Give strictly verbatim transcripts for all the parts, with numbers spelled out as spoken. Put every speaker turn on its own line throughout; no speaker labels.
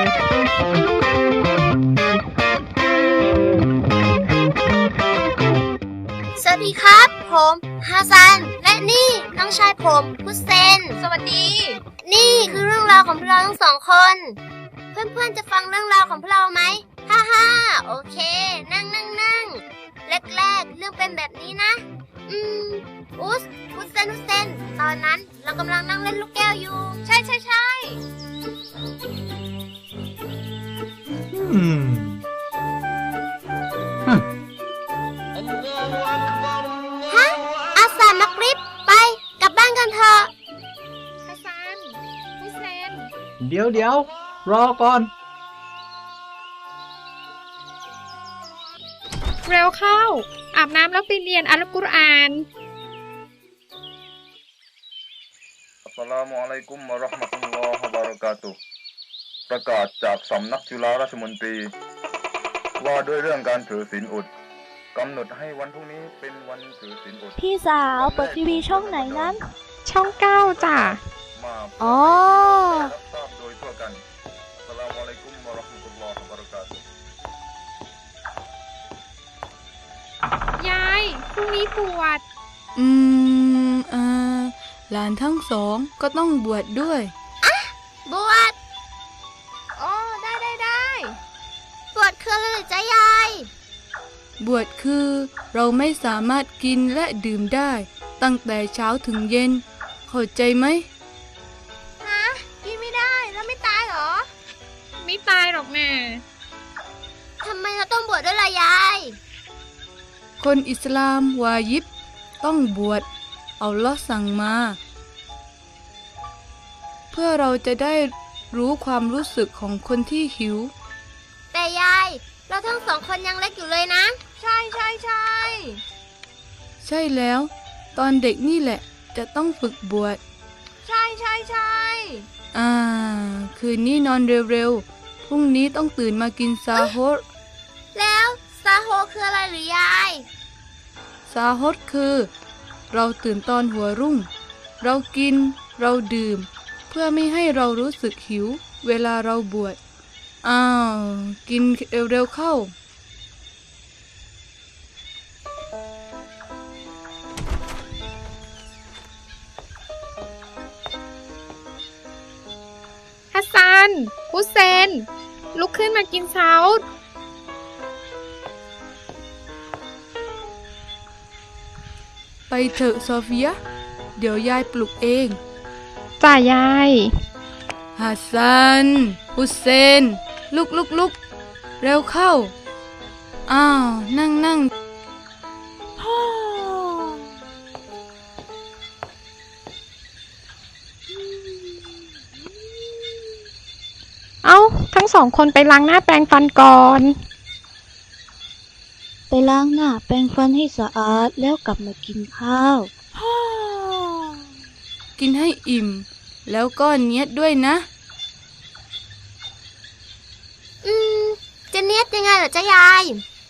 สวัสดีครับผมฮาซันและนี่น้องชายผมฮุสเซนสวัสดีนี่คือเรื่องราวของพวกเราทั้งสองคนเพื่อนๆจะฟังเรื่องราวของพวกเราไหมฮ่าฮ่าโอเคนั่งนั่งนั่งแรกๆเรื่องเป็นแบบนี้นะอืมอุสฮุสเซนฮุสเซนตอนนั้นเรากำลังนั่งเล่นลูกแก้วอยู่ใช่ใช่ใช่
อืม
ฮะอาซานมักริบไปกลับบ้านกันเถอะ
ฮัสซันฮุสเซน
เดี๋ยวเดี๋ยวรอก่อน
เร็วเข้าอาบน้ำแล้วไปเรียนอัลกุรอาน
อัสสลามุอะลัยกุมวะเราะห์มะตุลลอฮิวะบะเราะกาตุฮ์ประกาศจากสำนักจุฬาราชมนตรีว่าด้วยเรื่องการถือศีลอดกำหนดให้วันพรุ่งนี้เป็นวันถือศีลอด
พี่สาวเปิดทีวีช่องไหนนั้น
ช่องเก้าจ้ะ
มา
อ๋อ
รับทราบโดยทั่วกันอัสสลามุอะลัยกุมวะเราะห์มะตุลลอฮิวะบะเราะกาตุฮ์
ยายพรุ่งนี้บวช
อืมเออหลานทั้งสองก็ต้องบวชดด้วย
อะบวช
อ๋อได้ได้ได้
บวชคืออะไรจ๊ะยาย
บวชคือเราไม่สามารถกินและดื่มได้ตั้งแต่เช้าถึงเย็นเข้าใจไหม
ฮะกินไม่ได้แล้วไม่ตายเหรอ
ไม่ตายหรอกแม่
ทำไมเราต้องบวชด้วยล่ะยาย
คนอิสลามวาญิบต้องบวชอัลเลาะห์สั่งมาเพื่อเราจะได้รู้ความรู้สึกของคนที่หิว
แต่ยายเราทั้งสองคนยังเล็กอยู่เลยนะใช่ใช่ใช่
ใช่แล้วตอนเด็กนี่แหละจะต้องฝึกบวช
ใช่ใช่ใช่
อ่าคืนนี้นอนเร็วๆพรุ่งนี้ต้องตื่นมากินซาโฮร
แล้วซาโฮคืออะไรหรือยาย
ซาโฮรคือเราตื่นตอนหัวรุ่งเรากินเราดื่มเพื่อไม่ให้เรารู้สึกหิวเวลาเราบวชอ้าวกินเร็วๆเข้า
ฮัสซันฮุสเซนลุกขึ้นมากินเช้า
ไปเถอะโซเฟียเดี๋ยวยายปลุกเอง
จ่ายาย
ฮัสซันฮุสเซนลุกลุกลุกเร็วเข้าอ้าวนั่งนั่ง
เอ้าทั้งสองคนไปล้างหน้าแปรงฟันก่อน
ไปล้างหน้าแปรงฟันให้สะอาดแล้วกลับมากินข้าว
กินให้อิ่มแล้วก็เนียดด้วยนะ
อืมจะเนียดยังไงเหรอจ๊ะยาย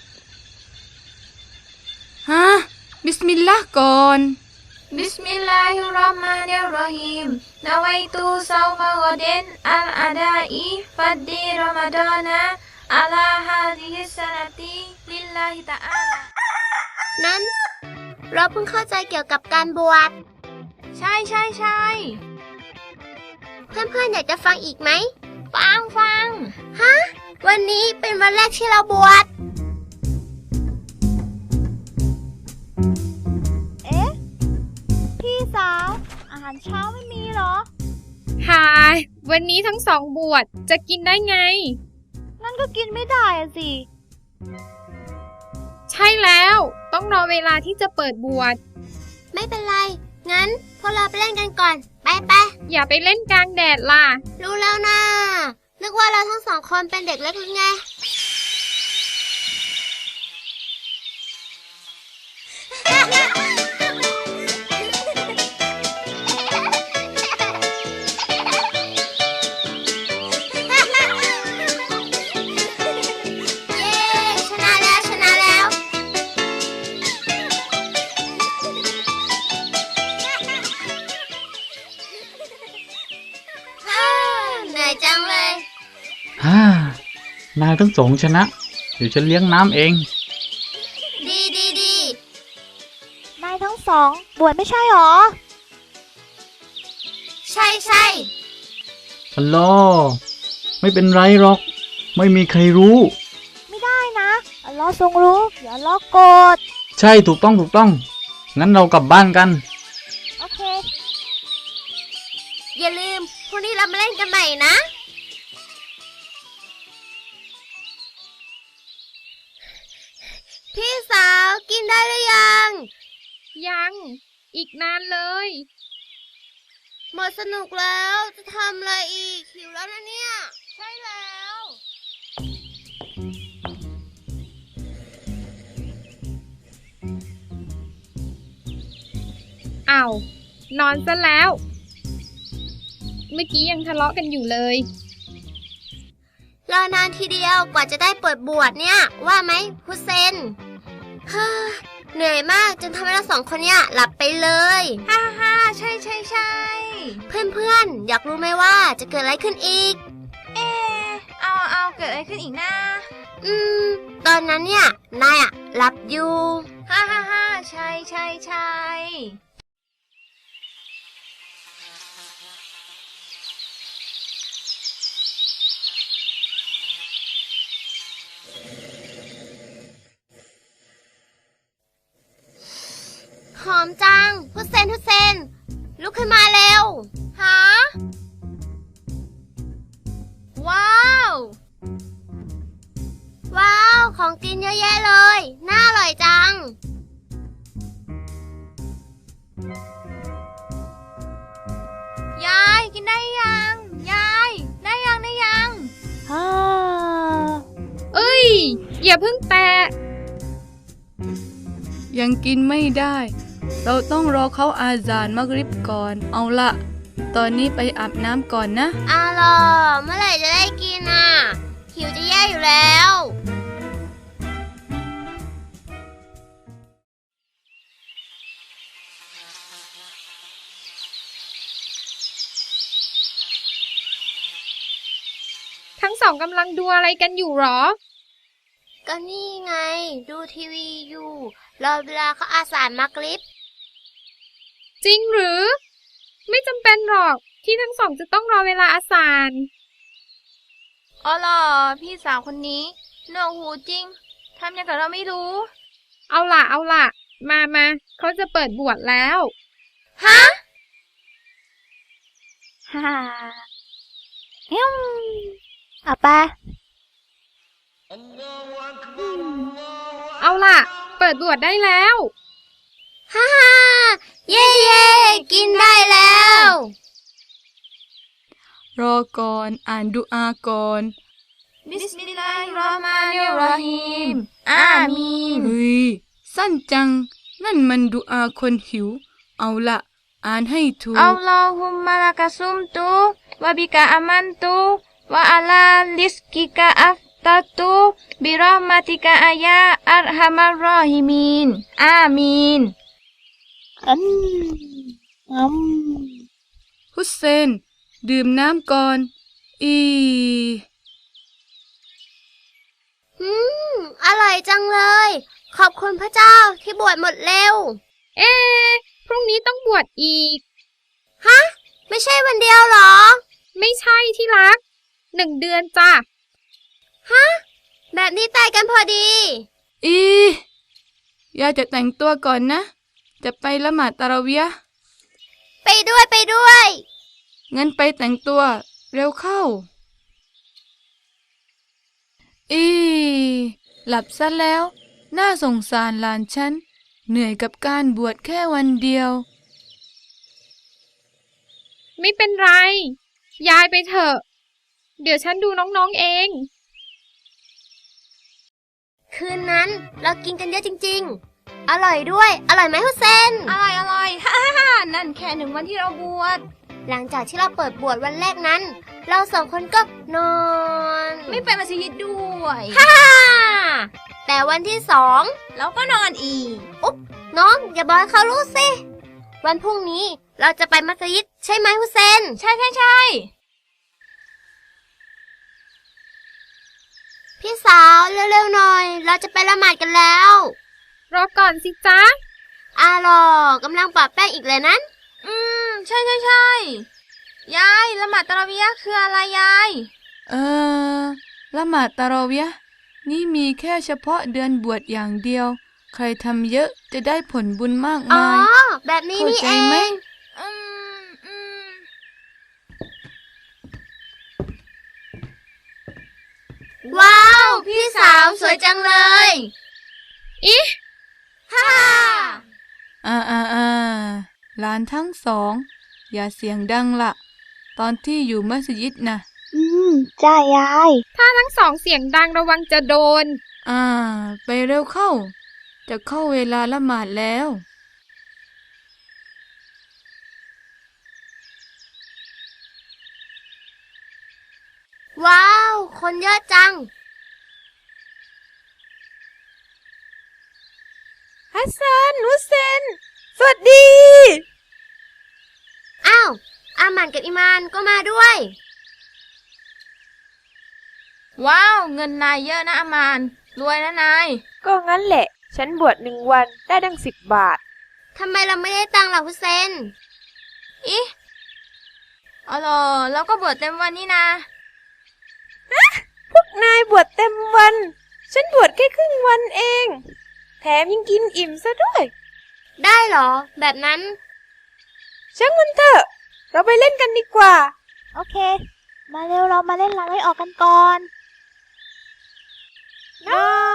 ฮะบิสมิลลาห์ก่อน
บิสมิลลาฮิรเราะห์มานิรเราะฮีมนะวัยตุซอมะกอเดนอัลอาดาอีฟัดดีรอมฎอนะอะลาฮาซิฮิสซะนะติลิลลาฮิตะอาลา
นั้นเราเพิ่งเข้าใจเกี่ยวกับการบวช
ใช่ใช่ใช่
เพื่อนๆอยากจะฟังอีกไหม
ฟังฟัง
ฮะวันนี้เป็นวันแรกที่เราบวช
เอ๊ะพี่สาวอาหารเช้าไม่มีเหรอ
หายวันนี้ทั้งสองบวชจะกินได้ไง
นั่นก็กินไม่ได้อะสิ
ใช่แล้วต้องรอเวลาที่จะเปิดบวช
ไม่เป็นไรงั้นพวกเราไปเล่นกันก่อนไปไป
อย่าไปเล่นกลางแดดล่ะ
รู้แล้วนะนึกว่าเราทั้งสองคนเป็นเด็กเล็กหรือไง
ฮฮ่านายทั้งสองชนะ เดี๋ยวฉันเลี้ยงน้ำเอง
ดีดีดี
นายทั้งสองบวชไม่ใช่หรอ
ใช่ใช่
อัลลอฮ์ไม่เป็นไรหรอก ไม่มีใครรู้
ไม่ได้นะอัลลอฮ์ทรงรู้อย่าอัลลอฮ์โกรธ
ใช่ถูกต้องถูกต้อง งั้นเรากลับบ้านกัน
โอเค
อย่าลืมพรุ่งนี้เรามาเล่นกันใหม่นะ พี่สาวกินได้หรือยัง
ยัง อีกนานเลย
หมดสนุกแล้วจะทำอะไรอีกหิวแล้วนะเนี่ย ใช่แล้ว
อ้าว นอนซะแล้ว เมื่อกี้ยังทะเลาะกันอยู่เลย
รอนานทีเดียวกว่าจะได้เปิดบวชเนี่ย ว่าไหมฮุเซนเฮ้อเหนื่อยมากจนทำให้เราสองคนเนี่ยหลับไปเลยฮ่าฮ่าใช่ใช่ใช่เพื่อนเพื่อนๆอยากรู้ไหมว่าจะเกิดอะไรขึ้นอีก
เออเอาเอาเกิดอะไรขึ้นอีกนะ
อืม ตอนนั้นเนี่ย นายอะหลับอยู่
ฮ่าฮ่าฮ่าใช่ใช่ใช่
หอมจังฮุเซนฮุเซนลุกขึ้นมาเร็วฮะว้าว ว้าว ของกินเยอะแยะเลย น่าอร่อยจัง
ยายกินได้ยัง ยาย ได้ยังได้ยัง
ฮ่า
เอ้ย อย่าเพิ่งแตะ
ยังกินไม่ได้ เราต้องรอเขาอาซานมักริบก่อน เอาละตอนนี้ไปอาบน้ำก่อนนะ
อ้าวเหรอเมื่อไหร่จะได้กินอ่ะ หิวจะแย่อยู่แล้ว
ทั้งสองกำลังดูอะไรกันอยู่หรอ
ก็นี่ไง ดูทีวีอยู่ รอเวลาเขาอาสามักริบ
จริงหรือ ไม่จำเป็นหรอกที่ทั้งสองจะต้องรอเวลาอาสาฬ
อ๋อเหรอพี่สาวคนนี้หนวกหูจริง ทำอย่างกับเราไม่รู้
เอาล่ะเอาล่ะ มามาเขาจะเปิดบวชแล้ว
ฮะ
ฮ่าเอ้มเอาไป
เอาล่ะ เปิดบวชได้แล้ว
ฮ่าฮ่าเย่เย่กินได้แล้ว
รอก่อนอ่านดุอาก่อน
บิสมิลลาฮิรเราะห์มานิรเราะฮีม อามีน
เฮ้ย สั้นจัง นั่นมันดุอาคนหิว เอาละอ่านให้ถูก
อัลลอฮุมมะละกะซุมตุวะบิกะอามันตุวะอะลาลิสกิกะอัฟตัตุบิเราะห์มาติกะอายาอัรฮัมัรรอฮิมีน อามีน
อืมอืม
ฮุสเซน ดื่มน้ำก่อน อี
อืม อร่อยจังเลย ขอบคุณพระเจ้าที่บวชหมดเร็ว
เอ๊ะพรุ่งนี้ต้องบวชอีก
ฮะ ไม่ใช่วันเดียวเหรอ
ไม่ใช่ที่รัก หนึ่งเดือนจ้ะ
ฮะ แบบนี้ตายกันพอดี
อียายจะแต่งตัวก่อนนะ จะไปละหมาดตะเราะเวียห์
ไปด้วยไปด้วย
งั้นไปแต่งตัวเร็วเข้า อีหลับซะแล้ว น่าสงสารหลานฉัน เหนื่อยกับการบวชแค่วันเดียว
ไม่เป็นไร ยายไปเถอะ เดี๋ยวฉันดูน้องๆเอง
คืนนั้นเรากินกันเยอะจริงๆ อร่อยด้วย อร่อยไหมฮุเซน
อร่อยอร่อย ฮ่าฮ่าฮ่านั่นแค่หนึ่งวันที่เราบวช
หลังจากที่เราเปิดบวชวันแรกนั้น เราสองคนก็นอน
ไม่ไปมัสยิดด้วย
ฮ่าแต่วันที่สอง
แล้วก็นอนอีก
อุ๊บน้องอย่าบอกให้เขารู้สิ วันพรุ่งนี้เราจะไปมัสยิดใช่ไหมฮุเซน
ใช่ใช่ใช่
พี่สาวเร็วๆหน่อย เราจะไปละหมาดกันแล้ว
รอก่อนสิจ๊ะ
อาหรอกำลังปะแป้งอีกเลยนั้น
อืม ใช่ใช่ใช่ยายละหมาดตะเราะวียะห์คืออะไรยาย
เออละหมาดตะเราะวียะห์นี่มีแค่เฉพาะเดือนบวชอย่างเดียว ใครทำเยอะจะได้ผลบุญมาก
อ๋อ
มาย
แบบนี้
เข้า
นี่
ใจ
เอ
ไหม
ง
อืมอืม
ว้าว พี่สาวสวยจังเลย
อิ
ฮ่า
อ่าอ่าอ่าหลานทั้งสอง อย่าเสียงดังละตอนที่อยู่มัสยิดนะ
อืม จ้ายาย
ถ้าทั้งสองเสียงดังระวังจะโดน
อ่า ไปเร็วเข้า จะเข้าเวลาละหมาดแล้ว
ว้าว คนเยอะจัง
ฮัสซันฮุเซน สวัสดี
อ้าว อาหมันกับอิมานก็มาด้วย
ว้าว เงินนายเยอะนะอามาน รวยนะนาย
ก็งั้นแหละ ฉันบวชหนึ่งวันได้ดังสิบบาท
ทำไมเราไม่ได้ตังค์ล่ะฮุเซน
อิอ๋อเหรอแล้วก็บวชเต็มวันนี่นะ
พวกนายบวชเต็มวัน ฉันบวชแค่ครึ่งวันเอง แถมยังกินอิ่มซะด้วย
ได้เหรอ แบบนั้น
ช่างมันเถอะ เราไปเล่นกันดีกว่า
โอเค มาเร็วเรามาเล่นล้างไว้ออกกันก่อน
น้อย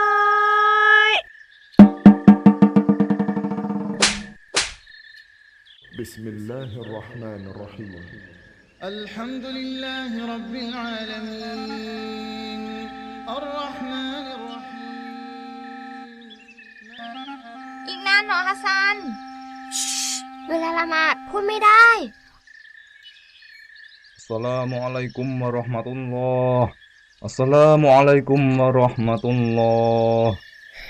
بسم الله الرحمن الرحيم
الحمد لله رب العالمين الرحمن الرحيم
อีกนานเหรอฮัสซัน
เวลาละหมาดพูดไม่ได้
อัสสลามุอะลัยกุมวะเราะห์มะตุลลอฮ์อัสสลามุอะลัยกุมวะเราะห์มะตุลลอฮ์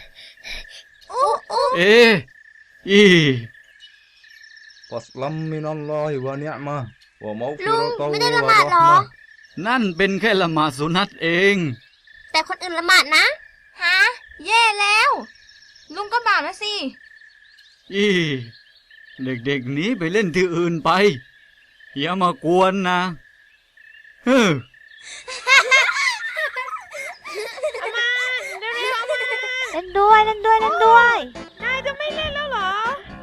เออี
ฟัสลัมมินัลลอฮิวะนิอ์มะฮ์วะมัฆฟิ
ลุง
เราะตุ
ไม่ได้
วะ
ละหมาดเหร
เราะ
อ
ห์มะฮ์
นั่นเป็นแค่ละหมาดสุนัตเอง
แต่คนอื่นละหมาดนะ
ฮะ แย่แล้ว ลุงก็บาปแล้วสิ
อีเด็กๆหนีไปเล่นที่อื่นไป อย่ามากวนนะเฮ้อ
เล่นด้วยเล่นด้วยเล่นด้วย
นายจะไม่เล่นแล้วเหรอ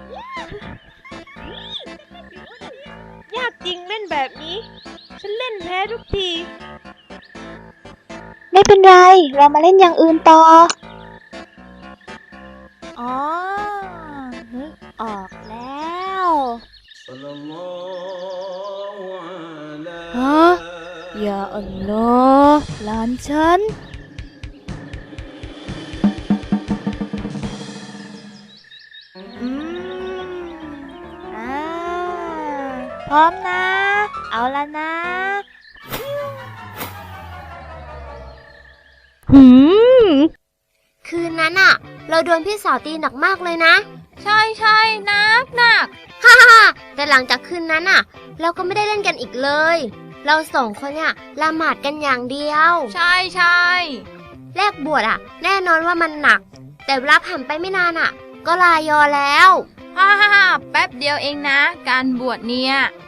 ยากจริงเล่นแบบนี้ ฉันเล่นแพ้ทุกที
ไม่เป็นไร เรามาเล่นอย่างอื่นต่อ อ๋อ นึกออกแล้ว ฮะ อย่าอัลลอฮ์หลานฉัน อืม อ่า พร้อมนะ เอาละนะ หืม
คืนนั้นอะเราโดนพี่สาวตีหนักมากเลยนะ
ใช่ใช่หนักหนัก
ฮ่าฮ่าแต่หลังจากคืนนั้นอะเราก็ไม่ได้เล่นกันอีกเลย เราสองคนเนี่ยละหมาดกันอย่างเดียว
ใช่ใช่
แรกบวชอะแน่นอนว่ามันหนัก แต่เวลาผ่านไปไม่นานอะก็ลายอแล้ว
ฮ่าฮ่าฮ่าแป๊บเดียวเองนะ การบวชเนี่ย